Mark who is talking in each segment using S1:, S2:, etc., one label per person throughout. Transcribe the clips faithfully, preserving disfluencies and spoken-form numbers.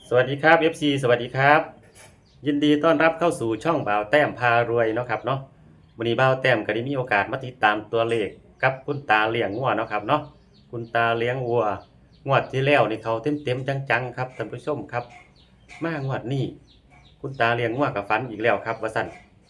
S1: สวัสดีครับ เอฟ ซี สวัสดีครับยินดีต้อนรับเข้าสู่ช่องบ่าวแต้มพารวยเนาะครับเนาะวันนี้บ่าวแต้มก็ได้มีโอกาสมาติดตามตัวเลขกับคุณตาเลี้ยงวัวเนาะครับเนาะคุณตาเลี้ยงวัวงวดที่แล้วนี่เขาเต็มๆจังๆครับท่านผู้ชมครับมางวดนี้คุณตาเลี้ยงวัวกับฝันอีกแล้วครับว่าซั่น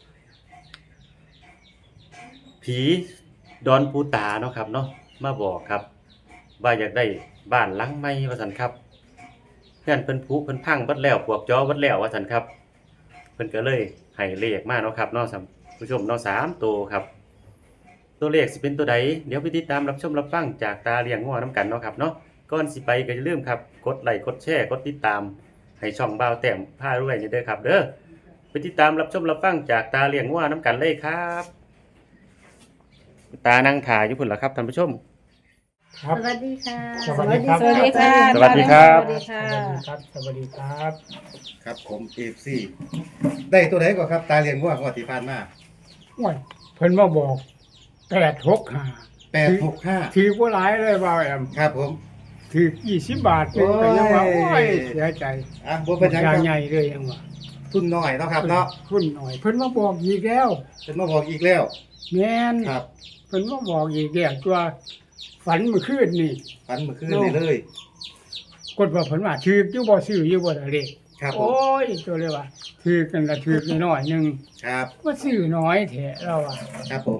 S1: ผีดอนปูตาเนาะครับเนาะมาบอกครับว่าอยากได้บ้านหลังใหม่ว่าซั่นครับ เพื่อนเพิ่นผุเพิ่นพังเบิดแล้วพวกจอเบิดแล้วว่าซั่นครับเพิ่นก็เลยให้เลขมาเนาะครับเนาะท่านผู้ชมเนาะสามตัวครับตัวเลขสิเป็นตัวใดเดี๋ยวไปติดตามรับชมรับฟังจากตาเลี้ยงงัวนํกันเนาะครับเนาะก่อนสิไปก็อย่าลืมครับกดไลค์กดแชร์กดติดตามให้ช่องบ่าวแต้มพารวยนี่เด้อครับเด้อไปติดตามรับชมรับฟังจากตาเลี้ยงงัวนํกันเลยครับตานั่งถ่ายอยู่พุ่นล่ะครับท่านผู้ชม
S2: ครับ
S3: สวัสดีค่ะ
S2: สวัสดีครับ
S3: สวัสดีค่ะ
S1: สวัสดีครับ
S3: สวัสดีค่ะ
S2: สวัสดีครับ สวัสดีครับ
S4: ครับผมเอฟซีได้ตัวไหนก่อนครับตาเลี้ยงวัวงวดที่ผ่านมา
S2: โอ้ยเพิ่นมาบอกแปดหกห้า
S4: แปดหกห้า
S2: ถือว่าหลายเลยว่าแอม
S4: ครับผม
S2: ถือยี่สิบบาทเป็นก็ยังว่าโอ้ยเสียใจ
S4: อ่ะบ่เป็นหยัง
S2: ยา
S4: ครับ
S2: ใหญ่เลยยังว่า
S4: ทุนน้อยเนาะครับเนาะ
S2: ขึ้นหน่อย เพิ่นมาบอกอีกแล้ว
S4: เป็นมาบอกอีกแล้ว
S2: แม่น
S4: ครับ
S2: เพิ่นมาบอกอีกแล้วตัวฝันเมื่อคืนนี่
S4: ฝันเมื่อคืนนี่เลย
S2: กดว่าเพิ่นว่าถืออยู่บ่ซื้ออยู่บ่ล่ะเด้
S4: ครับผม
S2: โอ้ยตัวเลยว่าถือกันละถือน้อยๆหนึง
S4: ครับ
S2: ว่าซื้อน้อยแท้เราอ่ะ
S4: ครับผม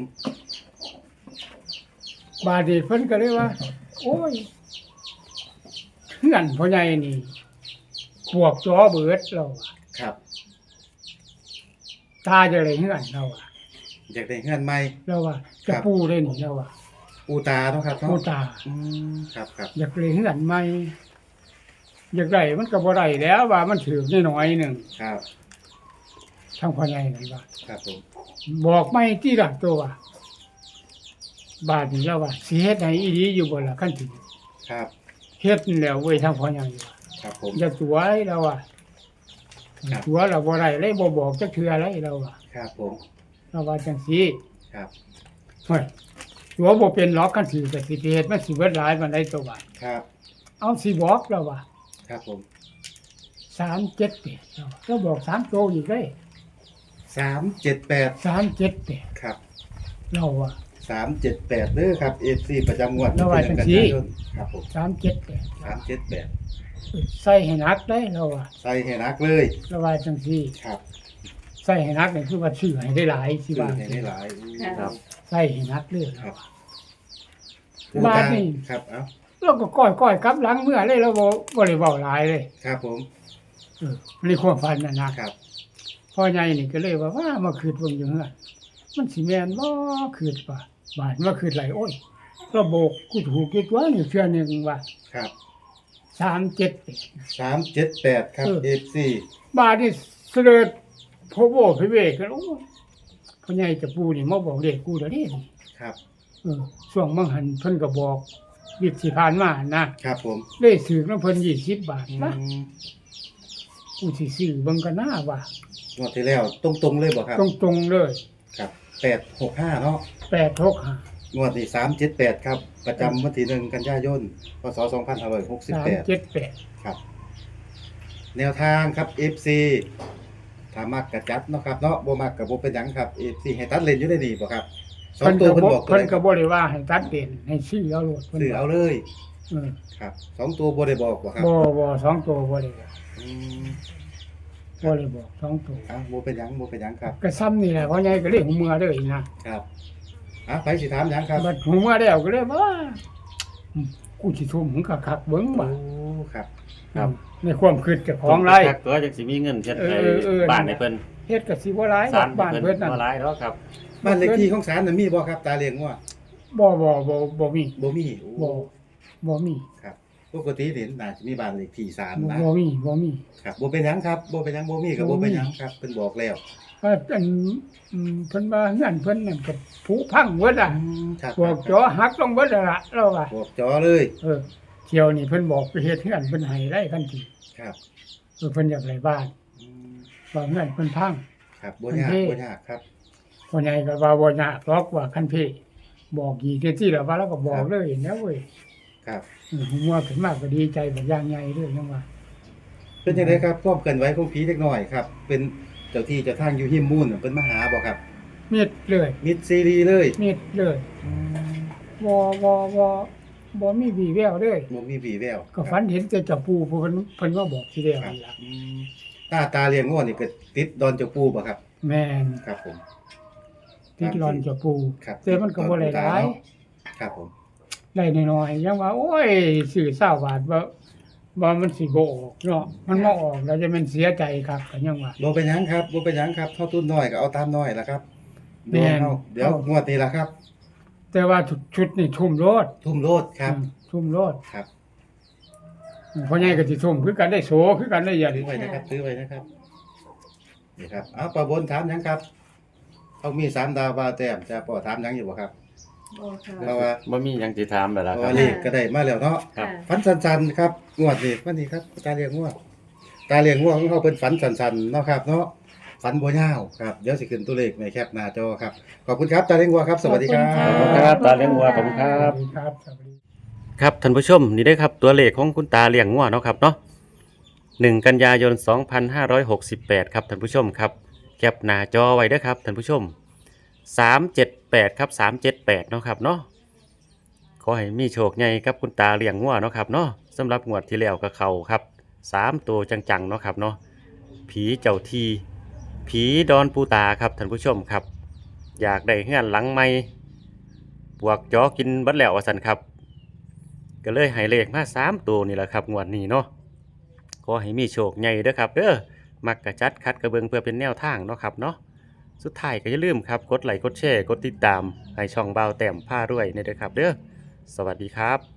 S2: บาดนีเพิ่นก็เลยว่า โอ้ยเงื่อนพ่อใหญ่นี่พวกจอเบิดเราอะ
S4: ครับ
S2: ตาจะเลยเงื่อนเราอะ
S4: อยากได้เงินใหม่
S2: เราว่า
S4: ครั
S2: จะ
S4: บ
S2: ปูได้นี่เราว่า
S4: ปูตาเนาะครับเนาะ
S2: ปูตา
S4: อืมครับครับ
S2: อยากเลยเงื่อนใหม่อยากได้มันก็บ่ได้แล้วว่ามันถือน้อยๆหนึง
S4: ครับ
S2: ทางพ่อใหญ่นั่นว่า
S4: ครับผม
S2: บอกไม่ที่ละตัวว่าบาดนี้เราว่าสิเฮ็ดให้อีหลีอยู่บ่ล่ะคันสิ
S4: ครับ
S2: เฮ็ดนั่นแหล้วเว้ยทางพ่อใหญ่ว่า
S4: ครับผม
S2: อย่าตัวไอ้เราว่า
S4: ครับ
S2: ตัวเราบ่ได้เลยบ่บอกจักเทื่ออะไรเราว่า
S4: ครับผม
S2: เราว่าจังซี่
S4: ครับ
S2: เฮ้ยตัวบ่เป็นล็อกกันสิก็สิไปเฮ็ดมันสิเบิดหลายปานใดตัวว่า
S4: ครับ
S2: เอาสิบอกแล้วว่า
S4: ครับผม
S2: สามเจ็ดแปดเราว่าเราบอกสามตัวอีกเลย
S4: สามเจ็ดแปด
S2: สามเจ็ดแปด
S4: ครับ
S2: เราว่า
S4: สามเจ็ดแปดเด้อครับเอฟซีประจำงวด
S2: แล้วว่าจังสิ
S4: เดือนกันยายนครับผม
S2: สามเจ็ดแปด
S4: สามเจ็ดแปด
S2: ใส่ให้หนักได้เราว่า
S4: ใส่ให้นักเลย
S2: เราว่าจังซี่
S4: ครับ
S2: ใส่ให้หนักนี่คือว่าซื้อให้ได้หลายสิ
S4: ซื้อ
S2: ว่า
S4: ให้ได้หลาย
S1: ครับ
S2: ใส่ให้หนักเด้อเราว่า
S4: ผู้
S2: บาท
S4: ตาม
S2: นี่
S4: ครับเอ้า
S2: เราก็ก้อยๆกลับหลังเมื่อเลยเราบ่บ่ได้เว้าหลายเลย
S4: ครับผม
S2: เออในความฝันน่ะนะครับ พ่อใหญ่นี่ก็เลยว่าว่ามาคืดเบิ่งอยู่เฮือนมันสิแม่นบ่คืดป่ะบาดมาคืดไหลโอ้ยระบบกูถูกกี่ตัวนี่เทื่อหนึงว่า
S4: ครับ
S2: สามเจ็ดแปด
S4: สามเจ็ดแปดครับ
S2: เออ
S4: เอฟซี
S2: บาดนี่เสด็จพ่อโบพี่เวกกันโอ้ยพ่อใหญ่จะปูนี่มาบอกเด็กกูเด้อนี่
S4: ครับ
S2: เออช่วงมังหันเพิ่นก็บอกวิทย์สิผ่านมานะครับ
S4: ผม
S2: ได้ซื้อนำเพิ่นยี่สิบบาท
S4: อื
S2: นะ
S4: ม
S2: กูสิซื้อเบิ่งกันหน้าว่าง
S4: วดที่แล้วตรงๆเลยบ่ครับ
S2: ตรงๆเลย
S4: ครับแปดหกห้าเนาะ
S2: แปดหกห้าง
S4: วดที่สามเจ็ดแปดครับ ประจำวันที่หนึ่งกันยายนพศสองพันห้าร้อยหกสิบ
S2: สาม
S4: แปด
S2: เจ็ดแปด
S4: ครับ แนวทางครับ เอฟ ซี ถ้ามักกระจัดเนาะครับเนาะบ่มักก็บ่เป็นหยังครับ เอฟ ซี ให้ตัดเลนอยู่ได้ดีบ่ครับสอง
S2: เพิ่น
S4: ตัว
S2: ก็
S4: เพิ่น
S2: บ่
S4: บอกตัว
S2: เพิ่
S4: ไห
S2: น
S4: นค
S2: ก็
S4: รับ
S2: บ่ได้ว่าให้ตัดเด่นให้ซื้อเอาโลดเพิ่น
S4: ซื้อเอาเลย
S2: เออ
S4: ครับสองตัวบ่ได้บอกบ่ครับ
S2: บ่บ่สองตัวบ่ได้บอก
S4: อืม
S2: บ่ได้บอกสองตัว
S4: อ้าวบ่เป็นหยังบ่เป็นหยังครับ
S2: ก็ซ้ำนี่แหละพ่อใหญ่ก็เลยหูเมื่อเด้ออีกนะครับ
S4: อ่ะไปสิถามหยังครับ
S2: บัดหูเมื่อแล้วก็เลยว่าอืมกูสิทุ่มมึงคักๆเบิ่งบ่า
S4: โอ้ครับ
S1: ครับ
S2: ในความคิดเจ้าของไร
S1: คักตัวจังสิมีเงินเฮ็ดให้
S2: เออเออ
S1: บ้านให้เพิ่น
S2: เฮ็ดก็สิบ่หลาย
S1: สาร
S2: บ้าน
S1: เพิ่น
S2: เพิ่นนั่น
S1: บ่หลายแล้วครับ
S4: บ้านเลขที่ของศาลน่ะมีบ่ครับ ตาเลี้ยงว่า
S2: บ่บ่บ่บ่มี
S4: บ่มี
S2: บ่
S4: โอ้
S2: บ่มี
S4: ครับปกติเห็นน่าจะมีบ้านเลขที่ศาลนะ
S2: บ่มีบ่มี
S4: ครับบ่เป็นหยังครับบ่เป็นหยังบ่มีก็บ่เป็นหยังครับเพิ่นบอกแล้ว
S2: ว่าอันอืมเพิ่นว่าเฮือนเพิ่นนั่นก็ผุพังเบิดอ่ะ
S4: ครับ
S2: พวกจอหักลงเบิดแล้วล่ะเราว่า
S4: บอกจอเลย
S2: เออเที่ยวนี่เพิ่นบอกไปเฮ็ดเฮือนเพิ่นให้ได้ทันที
S4: ครับ
S2: เออเพิ่นอยากได้บ้าน
S4: อืม
S2: ว่าเฮือนเพิ่นพัง
S4: ครับบ่ยาก
S2: เพิ่นเท่
S4: บ่ยากครับ
S2: พ่อใหญ่ก็ว่าบ่ยากหรอกว่าคันพี่บอกอีกจังซี่ล่ะว่าเราก็บอกเลยนะเว้ย
S4: ครับ
S2: เออหัวขึ้นมาก็ดีใจบักอย่างใหญ่เด้อยังว่า
S4: เป็นจังไดครับความเคลื่อนไหวของผีเล็กน้อยครับ เป็นเจ้าที่เจ้าทางอยู่หิมมูนน่ะเพิ่นมาหาบ่ครับ
S2: เม็ดเลย
S4: มิดซีรีส์เลย
S2: เม็ดเลยบ่บ่บ่บ่มีวี่แววเลย
S4: บ่มีวี่แวว
S2: ก็ฝันเห็นแต่เจ้าปู่ผู้เพิ่นเพิ่นมาบอกทีเดียว
S4: ครับ
S2: นี่ล่ะ
S4: อืมตาตาเลี้ยงงัวนี่ก็ติดดอนเจ้าปู่บ่ครับ
S2: แม่น
S4: ครับผม
S2: ติดรอนเจ้าปู่
S4: ครับ
S2: แต่มันก็บ่ได้หลาย
S4: ครับผม
S2: ได้น้อยๆยังว่า โอ้ยซื้อเศร้าบาทว่าว่ามันสิบ่ออกเนาะมันบ่ออกแล้วจะมันเสียใจครับก็ยังว่า
S4: บ่เป็นหยังครับบ่เป็นหยังครับเท่าทุนน้อยก็เอาตามน้อยล่ะครับ
S2: แม่
S4: ดวง
S2: น
S4: เฮาเดี๋ยวงวดนี้ล่ะครับ
S2: แต่ว่าชุดชุดนี่ทุ่มโลด
S4: ทุ่มโลดครับ
S2: อืมทุ่มโลด
S4: ครับ
S2: เพราะใหญ่ก็สิทุ่มคือกันได้โสคือกันได้ใหญ่
S4: ซื้อไว้นะครับซื้อไว้นะครับ นี่ครับเอาป้าบนถามหยังครับเขามีสามดาวบาวแต้มจะป้อถามหยังอยู่บ่ครับ
S3: บ่ค่ะ
S4: เพราะว่า
S1: บ่มีหยังสิถามแล้วล่ะ
S4: เพราะ
S1: ครั
S4: ว่า
S1: บ
S4: เลขก็ได้มาแล้วเนาะ
S1: ครับ
S4: ฝันสันๆครับงวดนี้วันนี้ครับตาเลี้ยงงวดตาเลี้ยงงวดของเขาเป็นฝันสันๆเนาะครับ เนาะฝันบ่ยาวครับเดี๋ยวสิขึ้นตัวเลขในแคปหน้าจอครับขอบคุณครับตาเลี้ยงงวดครับสวัสดีครั
S1: ขอบคุณครับ บตาเลี้ยงวัวขอบคุณครั
S2: ส
S1: บ
S2: วัสดีครับสวัสดี
S1: ครับท่านผู้ชมนี่ได้อครับตัวเลขของคุณตาเลี้ยงงัวเนาะครับเนาะหนึ่งกันยายนสองพันห้าร้อยหกสิบแปดครับท่านผู้ชมครับแคปหน้าจอไว้เด้อครับท่านผู้ชมสามเจ็ดแปดครับสามเจ็ดแปดเนาะครับเนาะขอให้มีโชคใหญ่ครับคุณตาเลี้ยงงัวเนาะครับเนาะสำหรับงวดที่แล้วก็เข้าครับสามตัวจังๆเนาะครับเนาะผีเจ้าทีผีดอนปูตาครับท่านผู้ชมครับ อยากได้เฮือนหลังใหม่ปวกจอกินเบัดแล้วว่าซั่นครับ ก็เลยให้เลขมาสามตัวนี่แหละครับงวดนี้เนาะขอให้มีโชคใหญ่เด้อครับเด้อมักกะจัดคัดกระเบิงเพื่อเป็นแนวทางเนาะครับเนาะสุดท้ายก็อย่าลืมครับกดไลค์กดแชร์กดติดตามให้ช่องเบาแต้มผ้ารวยเนี่ยเด้อครับเด้อสวัสดีครับ